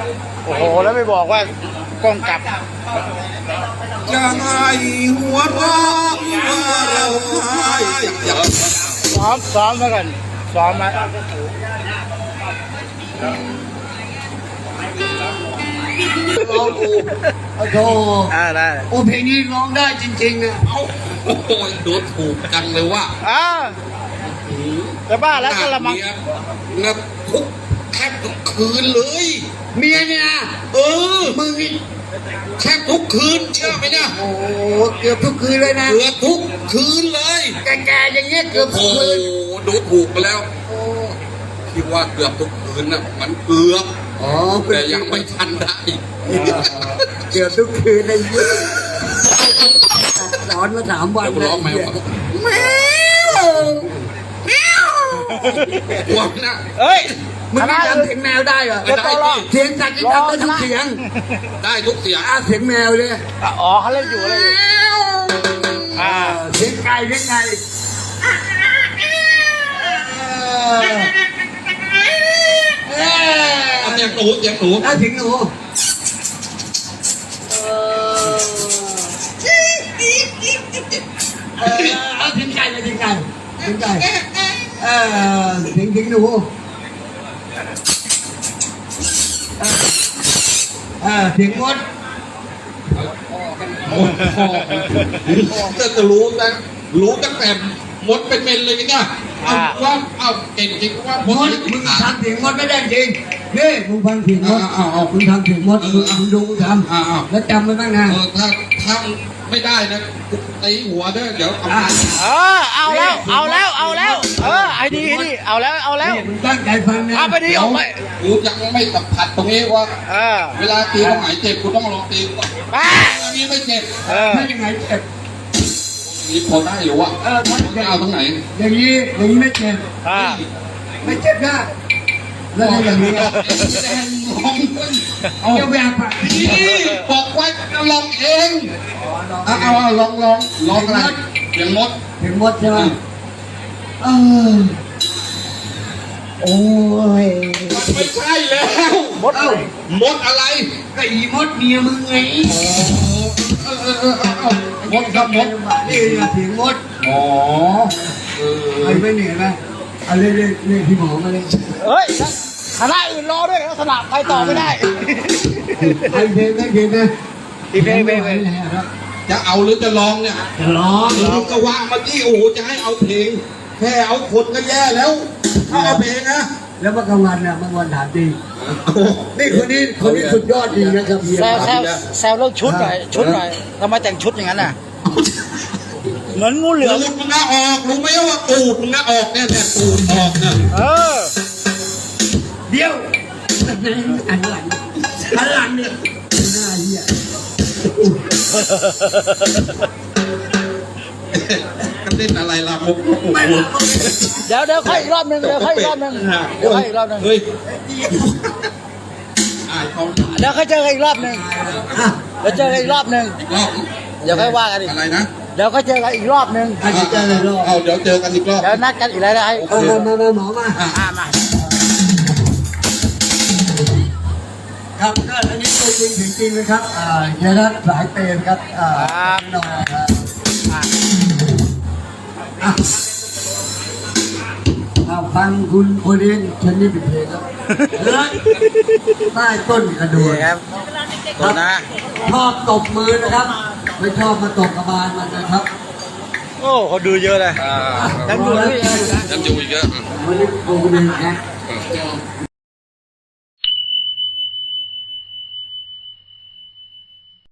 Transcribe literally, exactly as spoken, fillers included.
โอ้โหแล้วไม่บอกว่ากล้องกลับจะให้หัวเราะว่าเราให้ซ้อมซ้อมมาก่อนซ้อมมาร้องกูโอ้โหอ่าได้โอ้เพลงนี้ร้องได้จริงๆนะโอ้โหดูถูกจังเลยว่าอ่าแต่บ้าแล้วก็ละมังนะทุกแทบทุกคืนเลยเมียเนี่ยนะเออมึงนี่แทบทุกคืนเชื่อไหมเนี่ยโอ้เกือบทุกคืนเลยนะเกือบทุกคืนเลยแก่ๆอย่างเงี้ยเกือบทุกคืนโอ้ดูถูกไปแล้วคิดว่าเกือบทุกคืนน่ะมันเกือบอ๋อแต่ยังไม่ทันได้เกือบทุกคืนเลยสอนมาสามวันร้องไหมวะแมวแมววงนะเฮ้ยมึงจำเสียงแมวได้เหรอเสียงสัตว์ที่จำได้ทุกเสียงได้ทุกเสียงอ่ะเสียงแมวเลยอ๋อเขาเล่นอยู่เลยอ่าเสียงไก่เสียงไก่เอาเสียงหนูเสียงหนูเอาเสียงหนูเออเอาเสียงไก่เลยเสียงไก่เสียงไก่เออเสียงเสียงหนูเออเสียงมดโอ้โหจะจะรู้นะรู้ตั้งแต่มดเป็นเมนเลยเนี่ยเอาว่าเอาเก่งจริงว่ามดมึงทำเสียงมดไม่ได้จริงนี่มึงฟังเสียงมดเอาเอามึงทำเสียงมดมึงมึงดูมึงทำแล้วจำไว้บ้างนะเออถ้าถ้าไม่ได้นะตีหัวด้วยเดี๋ยวเอาเออเอาแล้วเอาแล้วเอาแล้วเออไอ้ดีไอ้ดีเอาแล้วเอาแล้วมึงตั้งใจฟังนะเอาไปดีออกไปกูยังไม่สัมผัสตรงนี้ว่าเวลาตีตรงไหนเจ็บกูต้องลองตีก่อนอันนี้ไม่เจ็บเออไม่ยังไงเจ็บนี่พอได้อยู่อ่ะเออจะเอาตรงไหนอย่างนี้อย่างนี้ไม่เจ็บไม่เจ็บนะแล้วอย่างนี้แดงลองเอาจะแบบอ่ะบอกไว้ลองเองเอาเอาลองลองลองอะไรเสียงมดเสียงมดใช่ไหมเออโอ้ยไม่ใช่แล้วมดเอ้ามดอะไรก็อีมดเมียมึงไงเออเออเออเอามดครับมดนี่เสียงมดอ๋อเออไอ้ไม่เหนื่อยไหมเอาเล่นเล่นเล่นที่หมอมาเลยเฮ้ยคณะอื่นรอด้วยลักษณะไปต่อไม่ได้ไอ้เพลงไม่เพลงนะอีเพลงเพลงจะเอาหรือจะร้องเนี่ยร้องร้องก็ว่างมาที่โอ้โหจะให้เอาเพลงแค่เอาคนก็แย่แล้วถ้าเอาเพลงนะแล้วเมื่อกลางวันน่ะเมื่อวันถามจริงนี่คนนี้คนนี้สุดยอดจริงนะครับแซวแซวแซวเรื่องชุดหน่อยชุดหน่อยทำไมแต่งชุดอย่างนั้นน่ะเหมือนงูเหลือมตูดมึงก็ออกรู้ไหมว่าตูดมึงก็ออกเนี่ยแต่ตูดออกเนี่ยเออเดี๋ยวอันหลังอันหลังเนี่ยหน้าเหี้ยก็เล่นอะไรล่ะมุกเดี๋ยวเดี๋ยวค่อยอีกรอบหนึ่งเดี๋ยวค่อยอีกรอบหนึ่งเดี๋ยวค่อยอีกรอบหนึ่งเฮ้ยเดี๋ยวค่อยเจอกันอีกรอบหนึ่งเดี๋ยวเจอกันอีกรอบหนึ่งเดี๋ยวค่อยว่ากันอีกอะไรนะเดี๋ยวก็เจอกันอีกรอบหนึ่งเอาเดี๋ยวเจอกันอีกรอบเดี๋ยวนัดกันอีกแล้วนะไอ้มามามาหมอมาอ่ามาครับก็อันนี้ตัวจริงถึงจริงเลยครับอ่าเยนัทสายเปรมครับอ่าน้องครับอ่าฟังคุณโอเลียนฉันนี่เป็นเพลงครับใต้ต้นกระดูกครับครับชอบตบมือนะครับไม่ชอบมาตบกระบาลมันนะครับโอ้เขาดูเยอะเลยยังอยู่ยังอยู่อีกเยอะวันนี้โอเลียนนะ